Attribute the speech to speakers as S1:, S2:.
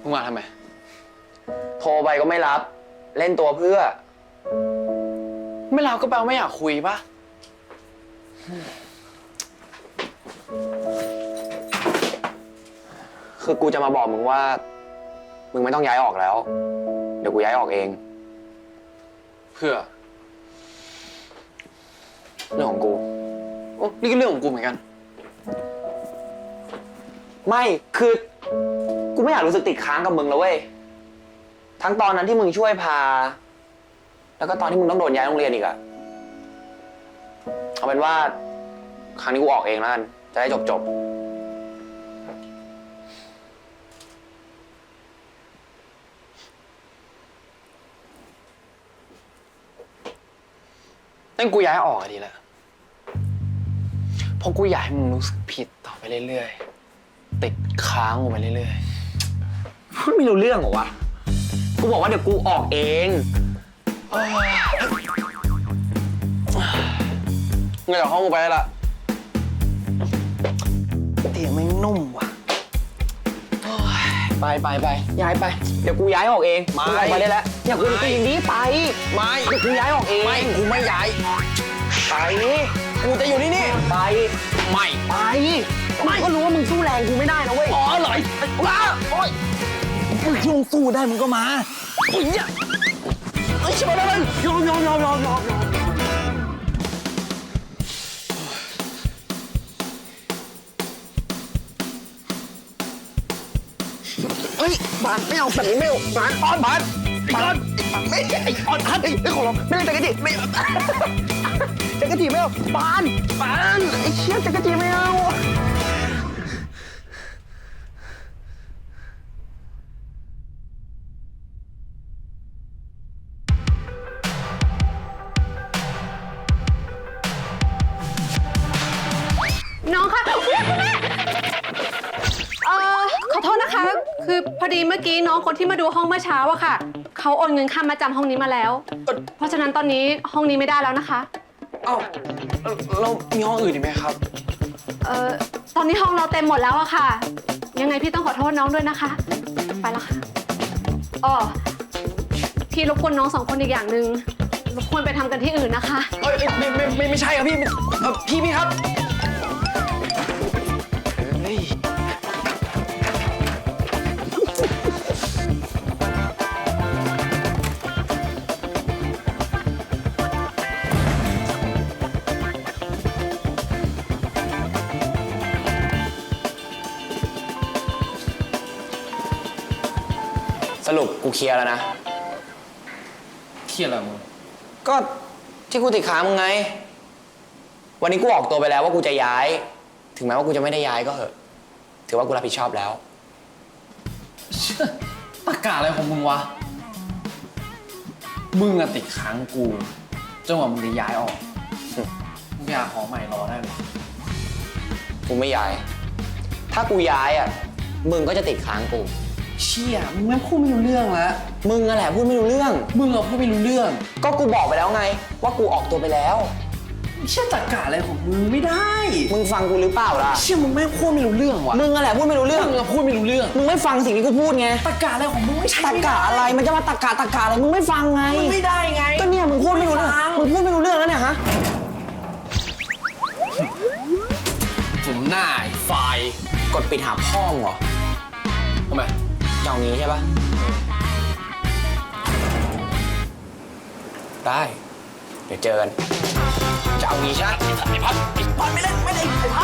S1: งมาทำไม
S2: โทรไปก็ไม่รับเล่นตัวเพื่อ
S1: ไม่รับก็แปลว่าไม่อยากคุยปะ
S2: คือกูจะมาบอกมึงว่ามึงไม่ต้องย้ายออกแล้วเดี๋ยวกูย้ายออกเอง
S1: เพื่อ
S2: เรื่องของกู
S1: โอ้นี่ก็เรื่องของกูเหมือนกัน
S2: ไม่คือกูไม่อยากรู้สึกติดค้างกับมึงแล้วเว้ยทั้งตอนนั้นที่มึงช่วยพาแล้วก็ตอนที่มึงต้องโดนย้ายโรงเรียนอีกอะเอาเป็นว่าครั้งนี้กูออกเองแล้วกันจะได้จบ
S1: นั่นกูย้ายออกดีแหละเพราะกูอยากให้มึงรู้สึกผิดต่อไปเรื่อยๆติดค้างกูไปเรื่อย
S2: ๆพูดไม่รู้เรื่องเหรอวะกูบอกว่าเดี๋ยวกูออกเอง
S1: เงยจากห้องกูไปละเตียงไม่นุ่มว่ะไปย้ายไป
S2: เดี๋ยวกูย้ายออกเอง
S1: ไม่
S2: ออกมาได้แล้วอย่ากูอย่างนี้ไป
S1: ไม่
S2: เดี๋ยวกูย้ายออกเอง
S1: ไม่กูไม่ย้าย
S2: ไป
S1: กูจะอยู่ที่นี่
S2: ไปไม่ก็รู้ว่ามึงสู้แรงกูไม่ได้นะเว้ย
S1: อ๋อเหรอว้าโอ๊ยมึงคิดมึงสู้ได้มึงก็มาอุ้ยเนี่ยไอ้ชิบะเลยยอมเฮ้ยบานไม่เอาแบบนี้ไม่เอาบานบานไม่ไอ้ออนทัดไอ้ของเราไม่เล่นจักรจีไม่จักรจีไม่เอาบานไอ้เชี่ยจักรจีไม่เอา
S3: น้องคะคุณแม่ขอโทษนะคะ คือพอดีเมื่อกี้น้องคนที่มาดูห้องเมื่อเช้าอะค่ะเขาโอนเงินค่ามาจำห้องนี้มาแล้วเพราะฉะนั้นตอนนี้ห้องนี้ไม่ได้แล้วนะคะ
S1: เอ้าเรามีห้องอื่นอีกไหมครับ
S3: ตอนนี้ห้องเราเต็มหมดแล้วอะค่ะยังไงพี่ต้องขอโทษน้องด้วยนะคะไปแล้วค่ะอ๋อพี่รบกวนน้อง2 คนอีกอย่างหนึ่งรบกวนไปทำกันที่อื่นนะคะ
S1: ไม่ใช่ครับพี่ครับ
S2: สรุปกูเคลียร์แล้วนะ
S1: เคลียร์อะไรมึง
S2: ก็ที่กูติดค้างมึงไงวันนี้กูออกตัวไปแล้วว่ากูจะย้ายถึงแม้ว่ากูจะไม่ได้ย้ายก็เหอะถือว่ากูรับผิดชอบแล้ว
S1: ตะกะอะไรของมึงวะมึงอะติดค้างกูจนกว่ามึงจะย้ายออกมึงอยากขอใหม่รอได้ไหม
S2: กูไม่ย้ายถ้ากูย้ายอ่ะมึงก็จะติดค้างกู
S1: เชี่ยมึงไม่พูดไม่รู้เรื่องแล้ว
S2: มึงนั่นแหละพูดไม่รู้เรื่อง
S1: มึงพูดไม่รู้เรื่อง
S2: ก็กูบอกไปแล้วไงว่ากูออกตัวไปแล้ว
S1: เชี่ยตะกะอะไรของมึงไม่ได้
S2: มึงฟังกูหรือเปล่าล่ะ
S1: เชี่ยมึงไม่พูดไม่รู้เรื่องวะ
S2: มึงนั่นแหละพูดไม่รู้เรื่อง
S1: มึงพูดไม่รู้เรื่อง
S2: มึงไม่ฟังสิ่งที่กูพูดไง
S1: ตะกะอะไรของมึงไม่ใช่
S2: ตะกะอะไรมันจะมาตะกะอะไรมึงไม่ฟังไง
S1: มึงไม่ได้ไง
S2: ก็เนี่ยมึงพูดไม่รู้เรื่องมึงพูดไม่รู้เรื่องแล้วเนี่ยฮะ
S1: ผมหน้าไฟ
S2: กดปิดหาพ่อมึงเหรอ
S1: ทำไม
S2: จะเอางี้ใช่ปะได้เดี๋ยวเจอกันจะเอางี้ใช่ไหม
S1: ไอ้พัดไม่เล่นไอ้พัด